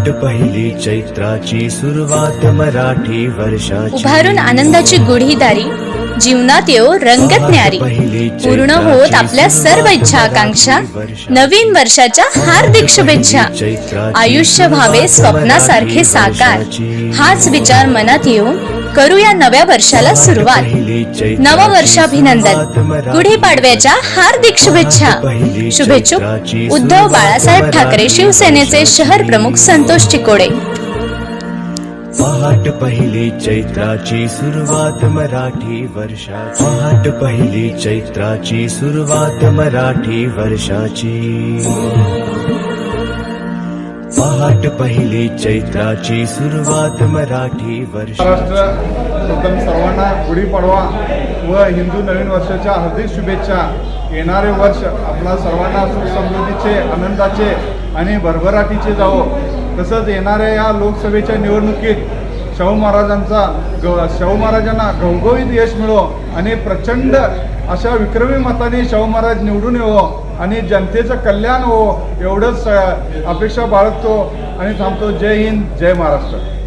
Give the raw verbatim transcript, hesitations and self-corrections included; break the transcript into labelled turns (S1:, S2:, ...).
S1: पहाट पहिली चैत्राची सुरुवात मराठी वर्षाची।
S2: उभारून आनंदाची गुढी दारी जीवनात येऊ रंगत न्यारी। पूर्ण होत आपल्या सर्व इच्छा आकांक्षा नवीन वर्षाच्या हार्दिक शुभेच्छा। आयुष्य व्हावे स्वप्नासारखे साकार हाच विचार मनात येऊन करूया नव्या वर्षाला सुरुवात। नव वर्षाभिनंदन गुढीपाडव्याच्या हार्दिक शुभेच्छा। शुभेच्छुक उद्धव बाळासाहेब ठाकरे शिवसेनेचे शहर प्रमुख संतोष चिकोडे।
S1: पहाट पहिली चैत्राची सुरुवात मराठी वर्षाची। पहाट पहिली चैत्राची सुरुवात मराठी वर्षाची। पहाट पहिली चैत्राची सुरुवात मराठी वर्षाची।
S3: महाराष्ट्र प्रथम सर्वांना गुढीपाडवा व हिंदू नवीन वर्षाच्या हार्दिक शुभेच्छा। येणारे वर्ष आपल्या सर्वांना सुख समृद्धीचे आनंदाचे आणि भरभराटीचे जावो। तसंच येणाऱ्या या लोकसभेच्या निवडणुकीत शाहू महाराजांचा ग शाहू महाराजांना घवघवीत यश मिळो आणि प्रचंड अशा विक्रमी मताने शाहू महाराज निवडून येवो आणि जनतेचं कल्याण हो एवढंच अपेक्षा बाळगतो आणि थांबतो। जय हिंद, जय महाराष्ट्र।